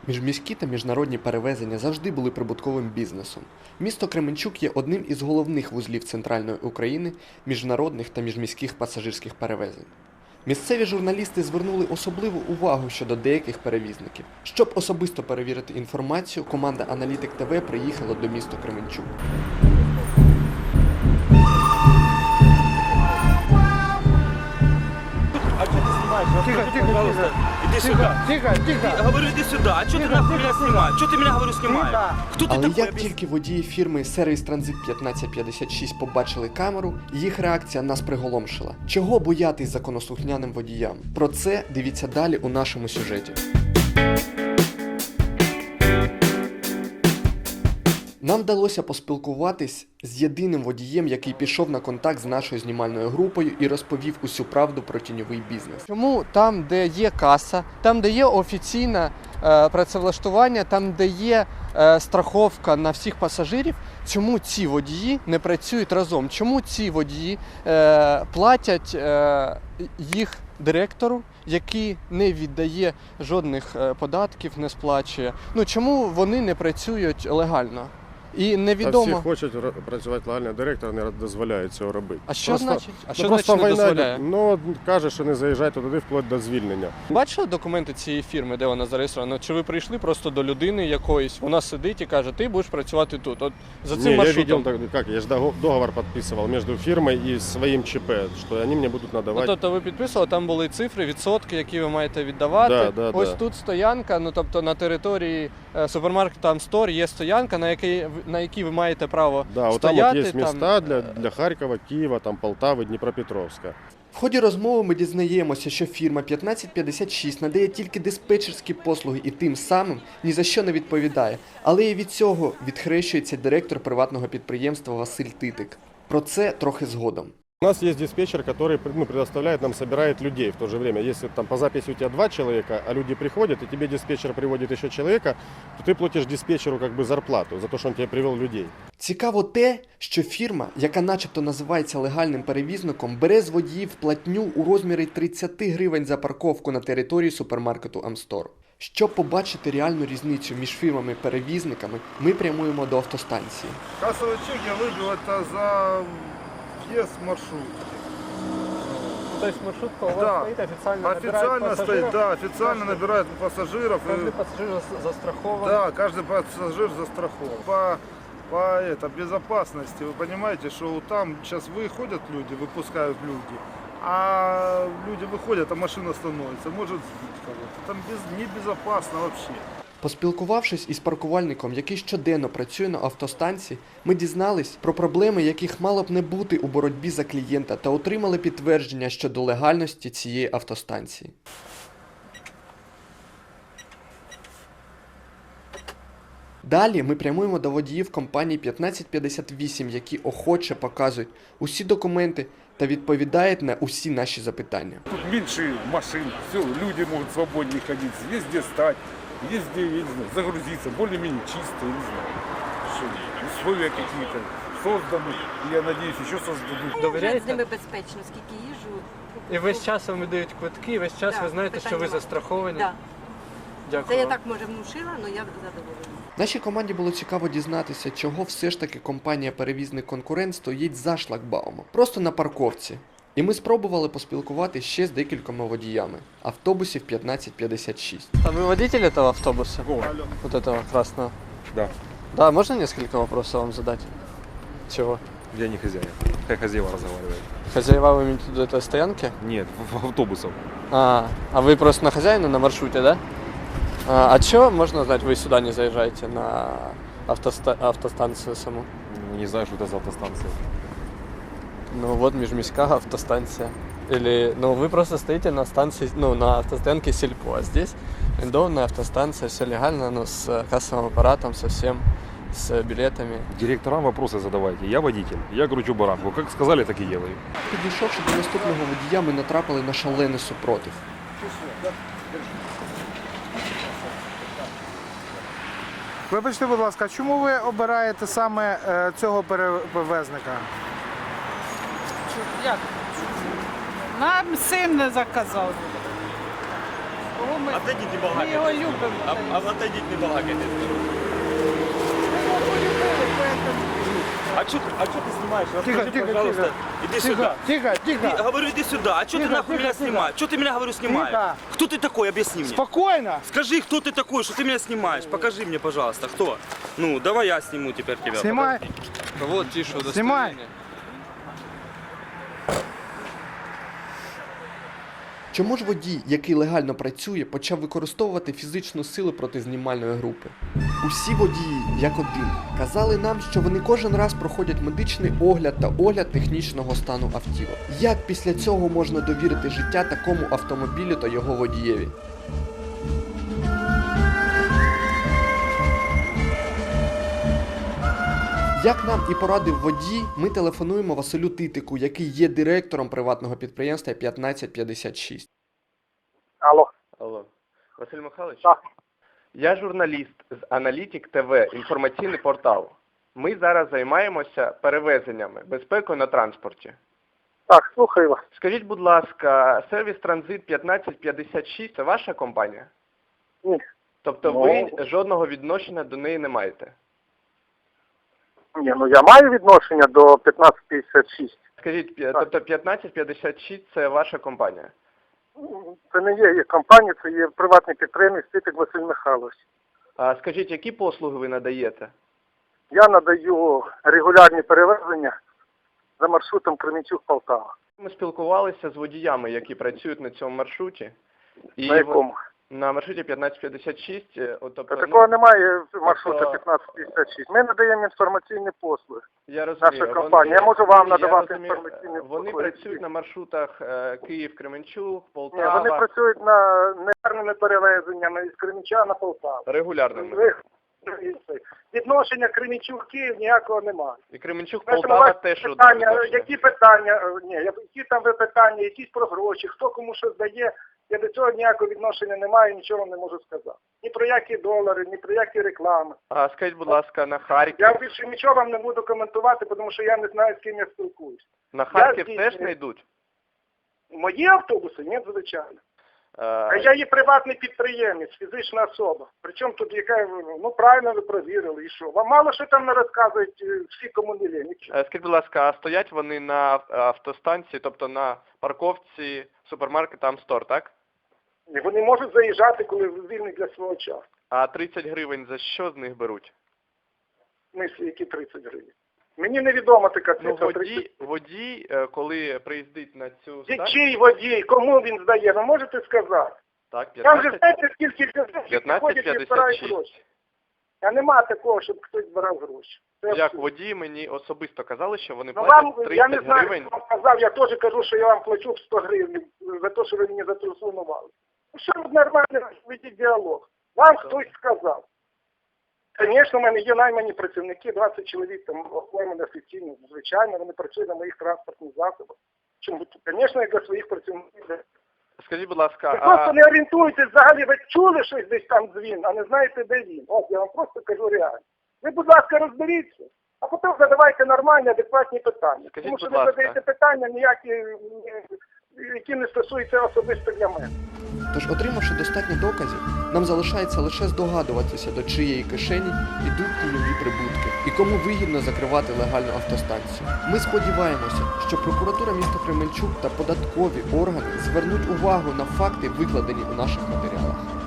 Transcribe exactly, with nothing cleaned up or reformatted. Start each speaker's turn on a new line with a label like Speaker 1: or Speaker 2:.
Speaker 1: Міжміські та міжнародні перевезення завжди були прибутковим бізнесом. Місто Кременчук є одним із головних вузлів центральної України міжнародних та міжміських пасажирських перевезень. Місцеві журналісти звернули особливу увагу щодо деяких перевізників. Щоб особисто перевірити інформацію, команда Аналітик ТВ приїхала до міста Кременчук.
Speaker 2: Тихо, тихо, пожалуйста. Иди сюда. Тихо, тихо.
Speaker 3: Я говорю, иди сюда. А что ты нахуй меня снимаешь? Что ты меня, говорю, снимаешь? Кто ты
Speaker 1: Але
Speaker 3: такой?
Speaker 1: як тільки водії фірми «Сервіс Транзит п'ятнадцять п'ятдесят шість» побачили камеру, їх реакція нас приголомшила. Чого боятись законослухняним водіям? Про це дивіться далі у нашому сюжеті. Нам вдалося поспілкуватись з єдиним водієм, який пішов на контакт з нашою знімальною групою і розповів усю правду про тіньовий бізнес. Чому там, де є каса, там, де є офіційне е, працевлаштування, там, де є е, страховка на всіх пасажирів, чому ці водії не працюють разом? Чому ці водії е, платять е, їх директору, який не віддає жодних е, податків, не сплачує? Ну, чому вони не працюють легально? І невідомо.
Speaker 4: Та всі хочуть працювати легально, директор не дозволяє цього робити.
Speaker 1: А що
Speaker 4: Просто-
Speaker 1: значить? А
Speaker 4: Ну,
Speaker 1: що
Speaker 4: просто
Speaker 1: значить не
Speaker 4: війна,
Speaker 1: дозволяє?
Speaker 4: Ну, каже, що не заїжджайте туди вплоть до звільнення.
Speaker 1: Бачили документи цієї фірми, де вона зареєстрована? Чи ви прийшли просто до людини якоїсь, вона сидить і каже, ти будеш працювати тут. От за цим
Speaker 4: Не, я
Speaker 1: маршрутом.
Speaker 4: видел, так, как, я же дого- договор подписывал между фирмой и своим ЧП, что они мне будут
Speaker 1: Ну,
Speaker 4: надавать.
Speaker 1: тобто ви підписували, там були цифри, відсотки, які ви маєте віддавати.
Speaker 4: Да, да,
Speaker 1: Ось
Speaker 4: да.
Speaker 1: тут стоянка, ну тобто на території е, супермаркету Амстор є стоянка, на якій, на якій ви маєте право
Speaker 4: Да, вот там
Speaker 1: стояти.
Speaker 4: вот есть
Speaker 1: там,
Speaker 4: места для,
Speaker 1: е,
Speaker 4: для Харькова, Киева, там Полтавы, Днепропетровска.
Speaker 1: В ході розмови ми дізнаємося, що фірма п'ятнадцять п'ятдесят шість надає тільки диспетчерські послуги і тим самим ні за що не відповідає. Але і від цього відхрещується директор приватного підприємства Василь Титик. Про це трохи згодом.
Speaker 4: У нас есть диспетчер, который ну, предоставляет нам, собирает людей в то же время. Если там по записи у тебя два человека, а люди приходят, и тебе диспетчер приводит еще человека, то ты платишь диспетчеру как бы зарплату за то, что он тебе привел людей.
Speaker 1: Цікаво те, що фірма, яка начебто називається легальним перевізником, бере з водіїв платню у розмірі тридцять гривень за парковку на території супермаркету Амстор. Щоб побачити реальну різницю між фірмами-перевізниками, ми прямуємо до автостанції.
Speaker 5: Кассовый чек я выбил это за въезд в маршрут.
Speaker 1: Тобто маршрутка у
Speaker 5: Да.
Speaker 1: стоїть, офіційно
Speaker 5: Официально стоит, да, официально набирают пассажиров. и-
Speaker 1: пасажир застрахований.
Speaker 5: Да, каждый пассажир застрахован. По, по это, безопасности, вы понимаете, что там сейчас выходят люди, выпускают люди, а люди выходят, а машина становится, может сбить кого-то. Там без, небезопасно вообще.
Speaker 1: Поспілкувавшись із паркувальником, який щоденно працює на автостанції, ми дізнались про проблеми, яких мало б не бути у боротьбі за клієнта, та отримали підтвердження щодо легальності цієї автостанції. Далі ми прямуємо до водіїв компанії п'ятнадцять п'ятдесят вісім, які охоче показують усі документи та відповідають на усі наші запитання.
Speaker 2: Тут меньше машин, все, люди могут свободнее ходить, везде стать, везде, я не знаю, загрузиться, более-менее чисто, я не знаю. Что, условия какие-то созданы, и я надеюсь, еще создадут.
Speaker 6: Довіряєте? З ними безпечно, скільки їжу.
Speaker 1: І весь час вам видають квитки, і весь час
Speaker 6: Да,
Speaker 1: ви знаєте,
Speaker 6: питань
Speaker 1: що ви
Speaker 6: нема.
Speaker 1: застраховані.
Speaker 6: Да.
Speaker 1: Дякую.
Speaker 6: Це я
Speaker 1: вам.
Speaker 6: так, може, внушила, але я задоволена.
Speaker 1: Нашій команді було цікаво дізнатися, чого все ж таки компанія-перевізник-конкурент стоїть за шлагбаумом. Просто на парковці. І ми спробували поспілкувати ще з декількома водіями автобусів п'ятнадцять п'ятдесят шість. А ви водитель этого автобуса? Вот этого красного?
Speaker 7: Да.
Speaker 1: Да, можно несколько вопросов вам задать? Чего?
Speaker 7: Я не хозяин. Как хозяева разговаривают?
Speaker 1: Хозяева вы имеете в виду этой стоянки?
Speaker 7: Нет, в, в автобусов.
Speaker 1: А, а вы просто на хозяина на маршруте, да? А, а чего, можно знать, вы сюда не заезжаете на автоста- автостанцию саму?
Speaker 7: Не знаю, что это за автостанция.
Speaker 1: Ну вот межміська автостанция. Или, ну вы просто стоите на станции, ну на автостоянке Сельпо, а здесь рендованная автостанция, все легально, но с кассовым аппаратом, со всем, с билетами.
Speaker 7: Директорам вопросы задавайте. Я водитель, я кручу баранку. Как сказали, так и делаю.
Speaker 1: Підійшовши до наступного водія, ми натрапили на шалений супротив.
Speaker 8: Вибачте, будь ласка, чому ви обираєте саме е, цього перевезника?
Speaker 9: Як? Нам син не заказав.
Speaker 6: Кого ми?
Speaker 3: Отойдите, не
Speaker 6: Ми
Speaker 3: балакайте.
Speaker 6: його любимо.
Speaker 3: А, а отойдите, не балакайте.
Speaker 6: Ми його любили, поэтому.
Speaker 3: А что а чё ты снимаешь?
Speaker 8: Тихо,
Speaker 3: Расскажи,
Speaker 8: тихо,
Speaker 3: пожалуйста.
Speaker 8: тихо.
Speaker 3: Иди
Speaker 8: Тихо,
Speaker 3: сюда.
Speaker 8: тихо,
Speaker 3: Иди,
Speaker 8: тихо.
Speaker 3: говорю, иди сюда. А что ты
Speaker 8: Тихо,
Speaker 3: нахуй
Speaker 8: тихо,
Speaker 3: меня
Speaker 8: тихо.
Speaker 3: снимаешь? Что ты меня, говорю, снимаешь?
Speaker 8: Тихо.
Speaker 3: Кто ты такой? Объясни мне.
Speaker 8: Спокойно.
Speaker 3: Скажи, кто ты такой, что ты меня снимаешь? Покажи мне, пожалуйста, кто? Ну, давай я сниму теперь тебя.
Speaker 8: Снимай.
Speaker 1: Вот ті, що
Speaker 8: Знімай.
Speaker 1: Чому ж водій, який легально працює, почав використовувати фізичну силу проти знімальної групи? Усі водії, як один, казали нам, що вони кожен раз проходять медичний огляд та огляд технічного стану автівок. Як після цього можна довірити життя такому автомобілю та його водієві? Як нам і порадив водій, ми телефонуємо Василю Титику, який є директором приватного підприємства п'ятнадцять п'ятдесят шість.
Speaker 5: Алло.
Speaker 1: Алло. Василь Михайлович?
Speaker 5: Так.
Speaker 1: Я журналіст з Аналітик ТВ, інформаційний портал. Ми зараз займаємося перевезеннями, безпекою на транспорті.
Speaker 5: Так, слухаю вас.
Speaker 1: Скажіть, будь ласка, сервіс Транзит п'ятнадцять п'ятдесят шість – це ваша компанія?
Speaker 5: Ні.
Speaker 1: Тобто
Speaker 5: Ну.
Speaker 1: ви жодного відношення до неї не маєте?
Speaker 5: Ні, ну я маю відношення до п'ятнадцять п'ятдесят шість.
Speaker 1: Скажіть, п'я- тобто п'ятнадцять п'ятдесят шість – це ваша компанія?
Speaker 5: Це не є, є компанія, це є приватний підприємець Титик Василь Михайлович.
Speaker 1: А скажіть, які послуги ви надаєте?
Speaker 5: Я надаю регулярні перевезення за маршрутом Кременчук-Полтава.
Speaker 1: Ми спілкувалися з водіями, які працюють на цьому маршруті. І
Speaker 5: На якому?
Speaker 1: На маршруті п'ятнадцять п'ятдесят шість, е, от, тобто,
Speaker 5: Та такого
Speaker 1: ну,
Speaker 5: немає маршрута
Speaker 1: тобто-
Speaker 5: п'ятнадцять п'ятдесят шість. Ми надаємо інформаційні послуги.
Speaker 1: я розумію.
Speaker 5: наша
Speaker 1: вони-
Speaker 5: компанія. Я можу вам
Speaker 1: я
Speaker 5: надавати
Speaker 1: розумію,
Speaker 5: інформаційні
Speaker 1: Вони
Speaker 5: послуги.
Speaker 1: працюють на маршрутах е, Київ-Кременчук,
Speaker 5: Ні,
Speaker 1: Полтава,
Speaker 5: вони працюють на негарними перевезеннями із Кременчука на Полтаву.
Speaker 1: регулярними.
Speaker 5: Ви- Відношення Кременчук-Київ ніякого немає.
Speaker 1: І Кременчук,
Speaker 5: Знаєте,
Speaker 1: Полтава
Speaker 5: бувають
Speaker 1: теж от
Speaker 5: питання,
Speaker 1: відношення.
Speaker 5: які питання, е, ні, які там ви питання, якісь про гроші, хто кому що здає, я до цього ніякого відношення не маю, нічого не можу сказати. Ні про які долари, ні про які реклами.
Speaker 1: А скажіть, будь ласка, на Харків.
Speaker 5: Я більше нічого вам не буду коментувати, тому що я не знаю, з ким я спілкуюсь.
Speaker 1: На Харків
Speaker 5: я
Speaker 1: теж
Speaker 5: здійснюю-
Speaker 1: не йдуть?
Speaker 5: Мої автобуси? Ні, звичайно. А
Speaker 1: Е,
Speaker 5: я є приватний підприємець, фізична особа. Причому тут яка, ну правильно ви провірили, і що? Вам мало що там не розказують е, всі, кому не лє, нічого.
Speaker 1: е, Скажіть, будь ласка, а стоять вони на ав- автостанції, тобто на парковці супермаркета Амстор, так?
Speaker 5: І вони можуть заїжджати, коли вільні для свого часу.
Speaker 1: А тридцять гривень за що з них беруть?
Speaker 5: Мислі, які тридцять гривень. Мені невідома така
Speaker 1: Ну,
Speaker 5: цифра.
Speaker 1: водій, водій, е, коли приїздить на цю
Speaker 5: тридцять.
Speaker 1: станцію,
Speaker 5: Чий водій, кому він здає, ви можете сказати?
Speaker 1: так,
Speaker 5: Там же
Speaker 1: п'ятнадцять,
Speaker 5: знаєте, скільки людей
Speaker 1: п'ятнадцять
Speaker 5: ходять і збирають
Speaker 1: п'ятдесят шість.
Speaker 5: гроші. А нема такого, щоб хтось збирав гроші. Це
Speaker 1: Як
Speaker 5: абсурд.
Speaker 1: водії мені особисто казали, що вони
Speaker 5: Ну вам,
Speaker 1: платять
Speaker 5: я не
Speaker 1: тридцять
Speaker 5: знаю,
Speaker 1: гривень.
Speaker 5: хто вам казав, я теж кажу, що я вам плачу сто гривень за те, що ви мені зателефонували. Ну що ви нормально ведіть діалог? Вам хтось сказав. Звісно, в мене є наймані працівники, двадцять чоловік там оформлені офіційно, звичайно, вони працюють на моїх транспортних засобах. Чому? Звісно, як для своїх працівників.
Speaker 1: Скажіть, будь ласка,
Speaker 5: Ви просто
Speaker 1: а
Speaker 5: не орієнтуєтесь взагалі, ви чули щось десь там дзвін, а не знаєте, де він. От я вам просто кажу реально. Ви, будь ласка, розберіться, а потім задавайте нормальні, адекватні питання.
Speaker 1: Скажіть,
Speaker 5: Тому що
Speaker 1: будь
Speaker 5: ви
Speaker 1: ласка.
Speaker 5: задаєте питання ніякі, е, які не стосуються особисто для мене.
Speaker 1: Тож, отримавши достатньо доказів, нам залишається лише здогадуватися, до чиєї кишені йдуть тіньові прибутки і кому вигідно закривати легальну автостанцію. Ми сподіваємося, що прокуратура міста Кременчук та податкові органи звернуть увагу на факти, викладені у наших матеріалах.